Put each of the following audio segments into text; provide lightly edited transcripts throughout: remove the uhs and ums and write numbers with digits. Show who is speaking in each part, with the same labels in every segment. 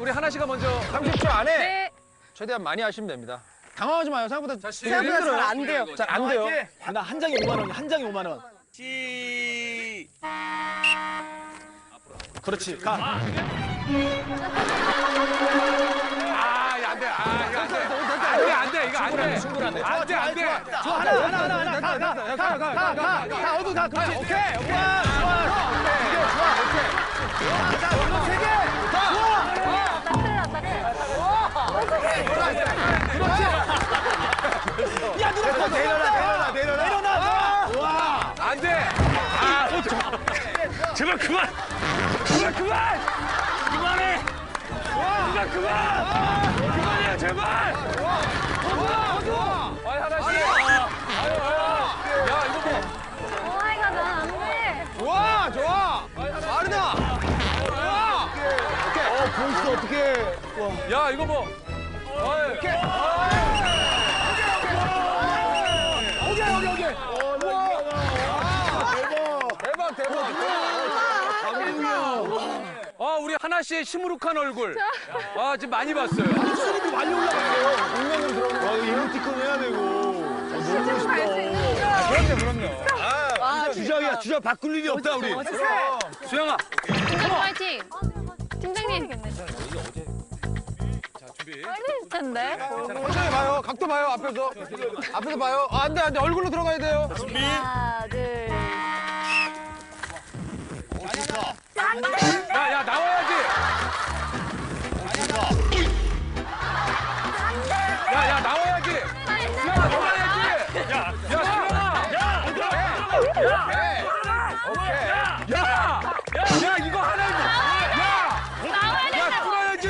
Speaker 1: 우리 하나 씨가 먼저
Speaker 2: 30초 안에
Speaker 3: 네.
Speaker 2: 최대한 많이 하시면 됩니다. 당황하지 마요. 생각보다
Speaker 3: 생각보다 잘 안 돼요.
Speaker 2: 잘 안 돼요.
Speaker 4: 나 한 장에 5만 원이야. 한 장에 5만 원. 그렇지. 가.
Speaker 1: 아, 이거 안 돼. 아, 이거 안 돼. 안 돼. 이거 안 돼.
Speaker 4: 충분한데.
Speaker 1: 안 돼. 안 돼.
Speaker 4: 좋아, 하나. 가, 어두 가. 그렇지. 오케이. 좋아. 자, 이거 세 개. 좋아. 그렇지. 야, 누가 또 내려놔. 와.
Speaker 1: 안 돼. 아, 제발 그만. 그만해. 누가 그만해요, 제발. 아이, 하나 씨. 야, 이거 뭐.
Speaker 3: 오마이갓, 난안 돼.
Speaker 2: 좋아. 빠르다.
Speaker 4: 보이스 어떻게?
Speaker 1: 야, 이거 뭐.
Speaker 4: 오케이.
Speaker 2: 대박.
Speaker 1: 아, 우리 하나 씨의 시무룩한 얼굴. 아, 지금 많이 봤어요.
Speaker 4: 수입이 많이 올라갔어요. 공면으로 들어오는 거. 이모티콘 해야 되고. 너무 멋있다.
Speaker 2: 그럼요.
Speaker 4: 주장이야. 주장 바꿀 일이 없다 우리.
Speaker 1: 수영아.
Speaker 3: 팀장님 화이팅. 팀장님. 빨리 텐데.
Speaker 2: 천천히 봐요. 각도 봐요. 앞에서 봐요. 아, 안 돼. 얼굴로 들어가야 돼요.
Speaker 3: 하나, 둘.
Speaker 1: 야, 나와야지. 야, 나와야지. 수영아, 나와야지. 야, 수영아. 야, 이거 하나.
Speaker 3: 나와야
Speaker 1: 야, 뚫어야지.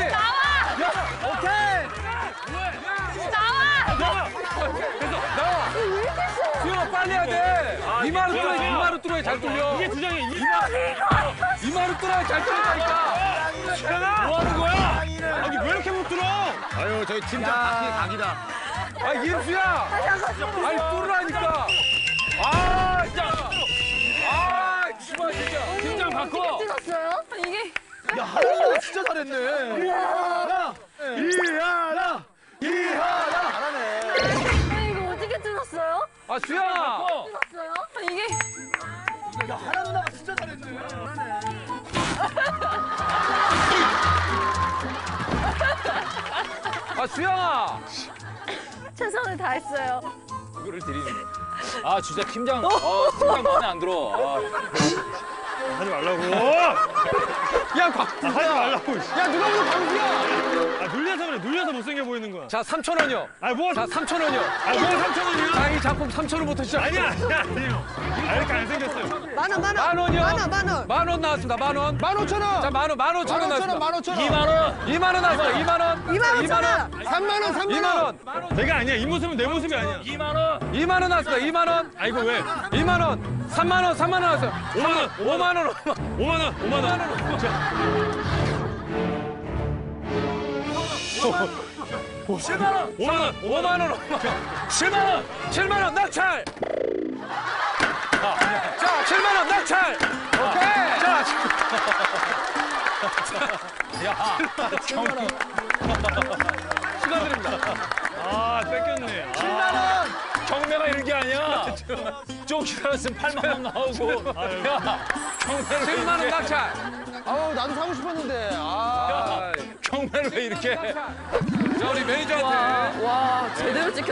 Speaker 1: 나와. 수영아, 빨리 해야 돼. 이마로 뚫어야 잘 뚫려. 이게 주장이 이마로 뚫어야 잘 뚫린다니까. 뭐 하는 거야? 아니, 왜 이렇게 못 뚫어?
Speaker 4: 아유 저희 팀장 각이다.
Speaker 1: 아, 임수야. 아니, 뚫으라니까. 아, 진짜. 아, 정말 진짜. 팀장 바꿔.
Speaker 3: 찍었어요? 이게.
Speaker 4: 야 하나가 진짜 잘했네. 이하나 잘하네.
Speaker 3: 이거 어떻게 찍었어요?
Speaker 1: 아, 수영아.
Speaker 3: 찍었어요? 이게.
Speaker 4: 야 하나 누나가 진짜 잘했네.
Speaker 1: 아, 수영아.
Speaker 3: 최선을 다했어요.
Speaker 1: 이거를 드리는. 아, 진짜 팀장. 팀장 마음에 안 들어.
Speaker 4: 하지 말라고.
Speaker 2: 야, 광수야.
Speaker 4: 하지 말라고.
Speaker 2: 야, 누가 보면 광수야.
Speaker 4: 아 눌려서 그래. 눌려서 못생겨 보이는 거야.
Speaker 1: 자, 3,000원이요.
Speaker 4: 아 뭐?
Speaker 1: 자, 3,000원이요.
Speaker 4: 아 뭐 3,000원이야?
Speaker 1: 자, 이 작품 3,000원부터 시작.
Speaker 4: 아니야. 아 이렇게 안 생겼어요.
Speaker 2: 만 원.
Speaker 1: 만 원이요. 만 원 나왔습니다. 만 원.
Speaker 2: 15,000원.
Speaker 1: 자, 만 원. 15,000원 나왔습니다.
Speaker 2: 15,000원.
Speaker 1: 2만 원 나왔어요. 2만 원.
Speaker 2: 3만 원.
Speaker 1: 2만 원.
Speaker 4: 내가 아니야. 이 모습은 내 모습이 아니야.
Speaker 1: 2만 원 나왔습니다. 2만 원.
Speaker 4: 아 이거 왜?
Speaker 1: 2만 원. 3만 원. 3만 원 나왔어요.
Speaker 4: 5만 원.
Speaker 1: 5만 원.
Speaker 4: 5만 원. 5만 원.
Speaker 1: 7만 원.
Speaker 4: 5만 원.
Speaker 1: 5만 원. 7만 원. 7만 원 낙찰. 자, 7만 원 낙찰.
Speaker 2: 오케이.
Speaker 1: 자, 축하드립니다.
Speaker 4: 아 뺏겼네.
Speaker 1: 7만 원. 경매가 이런 게 아니야. 좀 기다렸으면 8만 원 나오고. 야, 경매를 7만 원 낙찰.
Speaker 2: 아우, 나도 사고 싶었는데. 아.
Speaker 1: 경매를 왜 이렇게? 자, 우리 매니저한테.
Speaker 3: 와, 제대로 찍혔다.